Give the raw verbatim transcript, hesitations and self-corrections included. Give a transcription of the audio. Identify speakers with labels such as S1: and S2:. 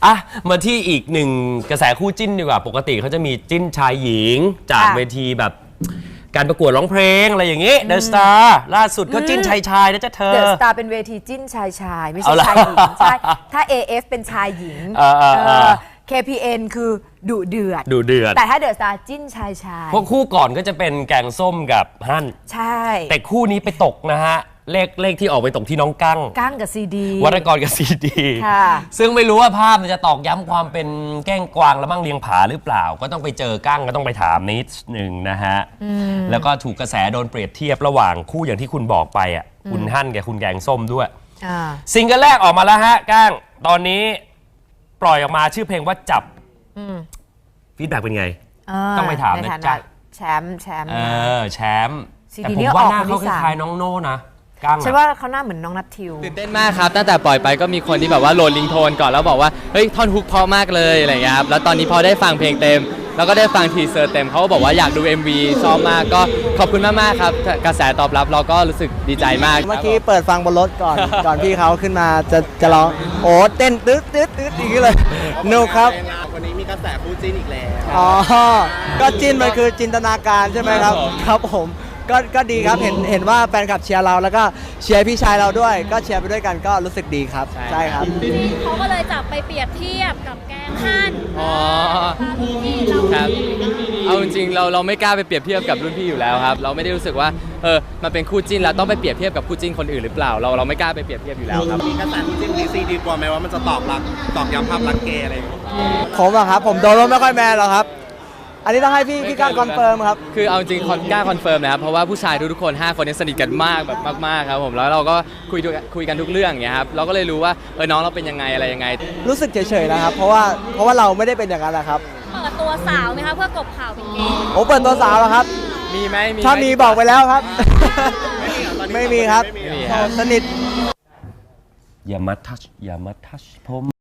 S1: อ่ะมาที่อีกหนึ่งกระแสคู่จิ้นดีกว่าปกติเขาจะมีจิ้นชายหญิงจากเวทีแบบการประกวดร้องเพลงอะไรอย่างนี้เดอะสตาร์ล่าสุดก็จิ้นชายชายนะจ๊ะเธอ
S2: เดอะสตาร์เป็นเวทีจิ้นชายชายไม่ใช่ชายหญิงใช่ถ้า เอ เอฟ เป็นชายหญิง เค พี เอ็น คือดุเดือด
S1: ดุเดือด
S2: แต่ถ้าเดอะสตาร์จิ้นชายชาย
S1: พวกคู่ก่อนก็จะเป็นแกงส้มกับฮั่น
S2: ใช่
S1: แต่คู่นี้ไปตกนะฮะเลขเลขที่ออกไปตกที่น้องกั้ง
S2: กั้งกับซีดี
S1: วรรณกรกับซีดีซึ่งไม่รู้ว่าภาพมันจะตอกย้ำความเป็นแก้งกวางและมั่งเลียงผาหรือเปล่าก็ต้องไปเจอกั้งก็ต้องไปถามนิดหนึ่งนะฮะแล้วก็ถูกกระแสโดนเปรียบเทียบระหว่างคู่อย่างที่คุณบอกไปอ่ะคุณฮั่นกับคุณแกงส้มด้วยซิงเกิลแรกออกมาแล้วฮะกั้งตอนนี้ปล่อยออกมาชื่อเพลงว่าจับฟีดแบ็กเป็นไงต้องไปถามนะจ๊ะ
S2: แชมป์แชมป์
S1: เออแชมป์แต่ผมว่าหน้าเขาคล้ายๆน้องโน่นะ
S2: ฉันว่าเขาหน้าเหมือนน้องนัททิว
S3: ตื่นเต้นมากครับตั้งแต่ปล่อยไปก็มีคนที่แบบว่าโหลดลิงโทนก่อนแล้วบอกว่าเฮ้ยท่อนฮุกเพราะมากเลยอะไรเงี้ยครับแล้วตอนนี้พอได้ฟังเพลงเต็มแล้วก็ได้ฟังทีเซอร์เต็มเขาก็บอกว่าอยากดู เอ็ม วี ชอบมากก็ขอบคุณมากๆครับกระแสตอบรับเราก็รู้สึกดีใจมาก
S4: เมื่อกี้เปิดฟังบนรถก่อนก่อนพี่เขาขึ้นมาจะจะร้องโอ้เต้นตึ๊ดตึ๊ดตึ๊ดอย่างนี้เลยนุกครับ
S5: วันนี้มีกระแสคู่จิ้นอีกแล้ว
S4: อ๋อก็จิ้นมันคือจินตนาการใช่ไหมครับครับผมก็ก็ดีครับเห็นเห็นว่าแฟนคลับเชียร์เราแล้วก็เชียร์พี่ชายเราด้วยก็เชียร์ไปด้วยกันก็รู้สึกดีครับใช่ครับ
S6: เขาก็เลยจับไปเปรียบเทียบกับแกงฮั่นอ๋อ
S3: ครับเอาจริงๆเราเราไม่กล้าไปเปรียบเทียบกับรุ่นพี่อยู่แล้วครับเราไม่ได้รู้สึกว่าเออมันเป็นคู่จิ้นแล้วต้องไปเปรียบเทียบกับคู่จิ้นคนอื่นหรือเปล่าเราเราไม่กล้าไปเปรียบเทียบอยู่แล้วครับ
S5: มีกระแสคู่จิ้นดีซีดีกว่าไหมว่ามันจะตอกรักตอกย้ำภาพรักเกย์อะไรอย่างเงี้ย
S4: ผมอะครับผมโดนไม่ค่อยแมนหรอกครับอันนี้ต้องให้พี่พี่ก้างคอนเฟิร์มครับ
S3: คือเอาจริงกล้าคอนเฟิร์มนะครับเพราะว่าผู้ชายทุกๆคนห้าคนนี้สนิทกันมากแบบมากๆครับผมแล้วเราก็คุยคุยกันทุกเรื่องอย่างเงี้ยครับเราก็เลยรู้ว่าเออน้องเราเป็นยังไงอะไรยังไง
S4: รู้สึกเฉยๆนะครับเพราะว่าเพราะว่าเราไม่ได้เป็นอย่างนั้นแหละครับ
S6: เปิดตัวสาวไหมคะเพื่อกบข่าวเป็นเกย์
S4: โอ้เปิดตัวสาวแล้วครับ
S3: มีไหม
S4: ถ้ามีบอกไปแล้วครับไม่มีครับสนิท
S1: อย่ามาทัชอย่ามาทัชผม